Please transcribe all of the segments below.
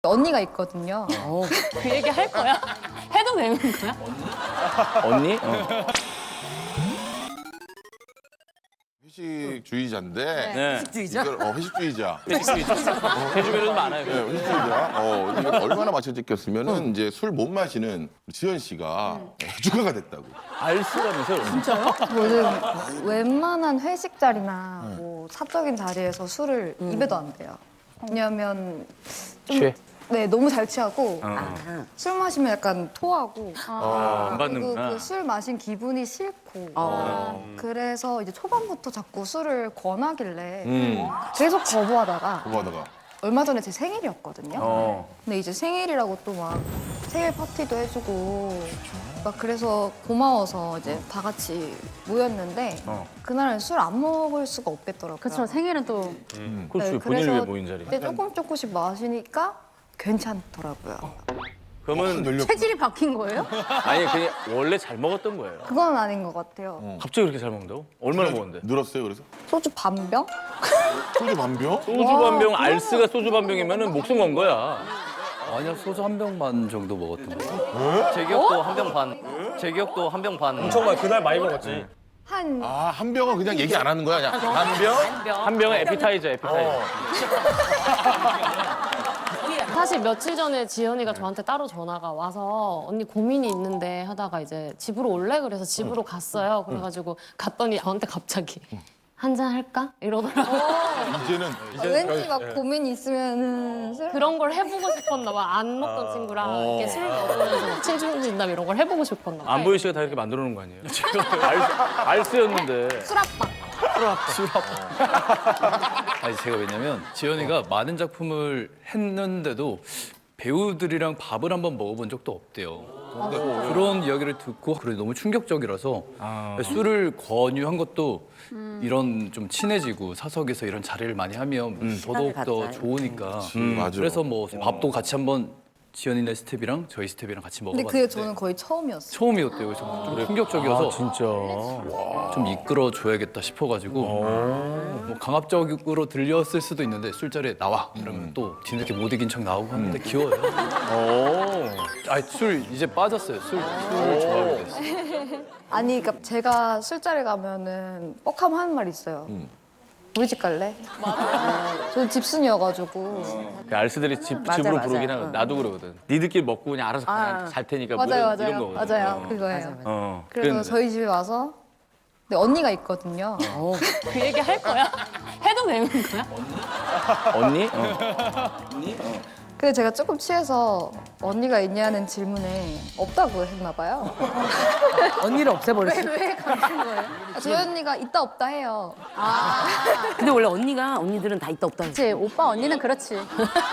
언니가 있거든요. 그 얘기 할 거야? 해도 되는 거야? 언니? 회식주의자인데 네. 회식주의자? 회식주의자. 해주면은 많아요. 네, 회식주의자. 이게 얼마나 맞춰졌겠으면은 이제 술 못 마시는 지현 씨가 해주가가 됐다고. 알쓰라면서요? 저는 웬만한 회식 자리나 뭐 사적인 자리에서 술을 입에도 안 돼요. 왜냐면 좀 취해? 네, 너무 잘 취하고 술 마시면 약간 토하고 안 그리고 받는구나. 그 술 마신 기분이 싫고 그래서 이제 초반부터 자꾸 술을 권하길래 계속 거부하다가 그거 얼마 전에 제 생일이었거든요. 어. 근데 이제 생일이라고 또 막 생일 파티도 해주고 막 그래서 고마워서 이제 다 같이 모였는데 그날은 술 안 먹을 수가 없겠더라고요. 그렇죠. 생일은 또 그렇지. 네, 본인을 위해 그래서 모인 자리. 그때 조금씩 마시니까 괜찮더라고요. 그러면 늘렸구나. 체질이 바뀐 거예요? 아니 그냥 원래 잘 먹었던 거예요. 그건 아닌 것 같아요. 갑자기 그렇게 잘 먹는다고? 얼마나 먹었는데? 늘었어요, 그래서? 소주 반병? 소주 반병? 소주 반 병, 알스가 소주 반 병이면은 목숨 건 거야. 아니요, 소주 한 병 반 정도 먹었던 거예요. 제 기억도 한 병 반. 제 기억도 한 병 반. 정말 그날 많이 먹었지. 한 한 병은 그냥 얘기 안 하는 거야, 그냥. 한 병? 한 병은 에피타이저, 에피타이저. 사실 며칠 전에 지연이가 저한테 따로 전화가 와서 언니 고민이 있는데 하다가 이제 집으로 올래? 그래서 집으로 갔어요. 그래가지고 갔더니 저한테 갑자기 한잔 할까? 이러더라고. 이제는 왠지 막 고민이 있으면은 술 그런 걸 해보고 싶었나 봐. 안 먹던 친구랑 이렇게 술 먹으면서 막 친중진담 이런 걸 해보고 싶었나 봐. 안보희 씨가 다 이렇게 만들어 놓은 거 아니에요? 알스였는데. 술압박. 아니, 제가 왜냐면 지연이가 많은 작품을 했는데도 배우들이랑 밥을 한번 먹어본 적도 없대요. 그런 이야기를 듣고 그래 너무 충격적이라서 술을 권유한 것도 이런 좀 친해지고 사석에서 이런 자리를 많이 하면 더더욱 더 좋으니까 맞아. 그래서 뭐 밥도 같이 한번 지연이네 스텝이랑 저희 스텝이랑 같이 근데 먹어봤는데 그게 저는 거의 처음이었어요. 처음이었대요. 그래서 좀 충격적이어서 진짜. 좀 이끌어 줘야겠다 싶어가지고 뭐 강압적으로 들렸을 수도 있는데 술자리에 나와 이러면 또 뒤늦게 못 이긴 척 나오고 하는데 귀여워요. 아니 술 이제 빠졌어요. 술을 좋아하게 됐어요. 아니, 그러니까 제가 술자리 가면은 뻑하면 하는 말이 있어요. 우리 집 갈래? 맞아요. 저는 집순이여가지고. 그 알스들이 집으로 부르긴 하거든. 나도 그러거든. 니들끼리 먹고 그냥 알아서 그냥 잘 테니까 뭐 맞아요, 이런 맞아요. 거거든. 맞아요. 그거예요. 어. 그래서 그랬는데. 저희 집에 와서 근데 언니가 있거든요. 그 얘기 할 거야? 해도 되는 거야? 언니? 근데 제가 조금 취해서 언니가 있냐는 질문에 없다고 했나 봐요. 언니를 없애버렸어. 왜 같은 거예요? 저희 언니가 있다 없다 해요. 근데 원래 언니들은 다 있다 없다. 그렇지. 오빠 언니는 그렇지.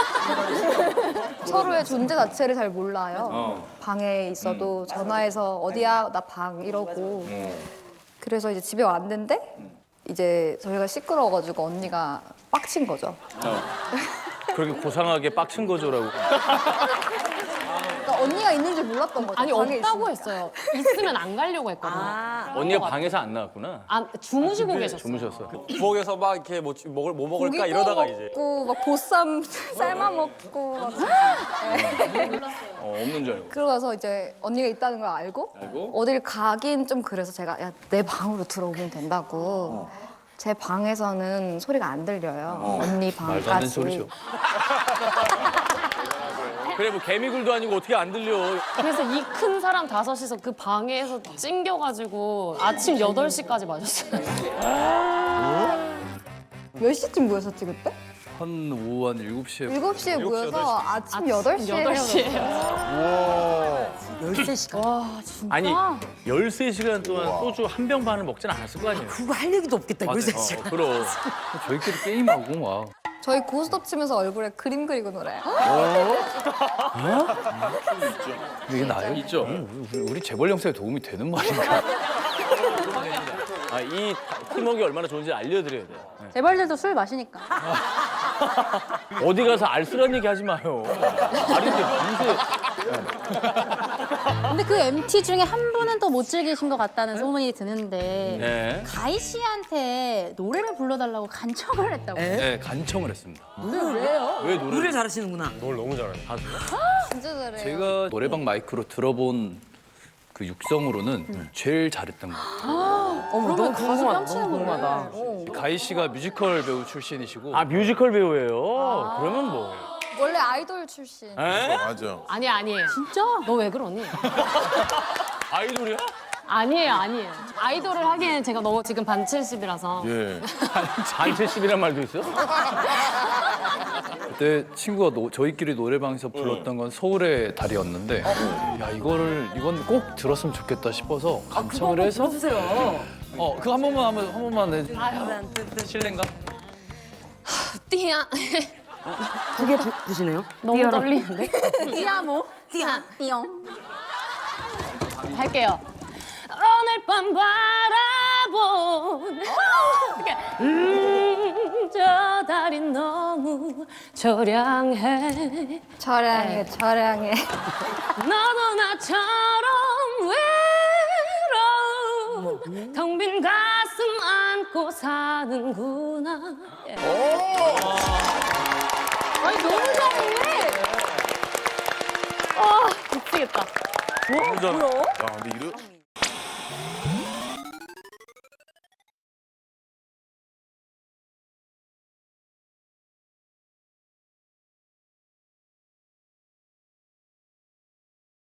서로의 존재 자체를 잘 몰라요. 방에 있어도 전화해서 어디야 나 방 이러고. 그래서 이제 집에 왔는데 이제 저희가 시끄러워가지고 언니가 빡친 거죠. 그렇게 고상하게 빡친 거죠라고. 그러니까 언니가 있는 줄 몰랐던 거죠. 아니 방에 없다고 있으니까. 했어요. 있으면 안 가려고 했거든요. 언니가 방에서 안 나왔구나. 아, 주무시고 계셨어요. 주무셨어. 부엌에서 막 이렇게 뭐 먹을까 고기 이러다가 구워 이제. 먹고 막 보쌈 삶아 먹고 막. 없는 줄 알고. 그러고서 이제 언니가 있다는 걸 알고 어딜 가긴 좀 그래서 제가 야, 내 방으로 들어오면 된다고. 제 방에서는 소리가 안 들려요. 언니 말도 안 되는 방까지. 소리죠. 그래 뭐 개미굴도 아니고 어떻게 안 들려. 그래서 이 큰 사람 5이서 그 방에서 찡겨가지고 아침 8시까지 마셨어요. 몇 시쯤 모였었지 그때? 한 오후 한 7시에 7시에 모여서 아침 8시에 8시에. 13시간. 아니 13시간 동안 소주 한 병 반을 먹진 않았을 거 아니에요. 그거 할 얘기도 없겠다. 맞아요. 13시간. 그럼. 저희끼리 게임하고 막 저희 고스톱 치면서 얼굴에 그림 그리고 놀아요. 이게 나요? 있죠. 우리 재벌 영상에 도움이 되는 말인가? 이 팀워크가 얼마나 좋은지 알려드려야 돼요. 재벌들도 술 마시니까. 어디 가서 알쓰란 얘기 하지 마요. 아닌데 무슨 근데 그 MT 중에 한 분은 또 못 즐기신 것 같다는 소문이 드는데 네. 가희 씨한테 노래를 불러달라고 간청을 했다고. 네, 간청을 했습니다. 왜 노래? 노래 잘하시는구나. 뭘 너무 잘해. 진짜 잘해요. 제가 노래방 마이크로 들어본 그 육성으로는 제일 잘했던 것 같아요. 어머, 너무 궁금하다. 너무 궁금하다. 가희 씨가 뮤지컬 배우 출신이시고 아 뮤지컬 배우예요. 그러면 뭐? 원래 아이돌 출신. 맞아. 아니에요. 진짜? 너 왜 그러니? 아이돌이야? 아니에요. 아이돌을 하기엔 제가 너무 지금 반 70이라서. 예. 반채십이란 말도 있어? 그때 친구가 저희끼리 노래방에서 불렀던 건 서울의 달이었는데 이건 꼭 들었으면 좋겠다 싶어서 간청을 해서 들어주세요. 그거 한 번만 해. 실례인가? 띠야. 두 개 드시네요? 너무 떨리는데? 띠아모? 띠용. 할게요. 오늘 밤 바라본 저 달이 너무 저량해 저량해, 저량해. 너도 나처럼 외로운 텅 빈 가슴 안고 사는구나. 아니 너무 잘해. 미치겠다. 야, 근데 이런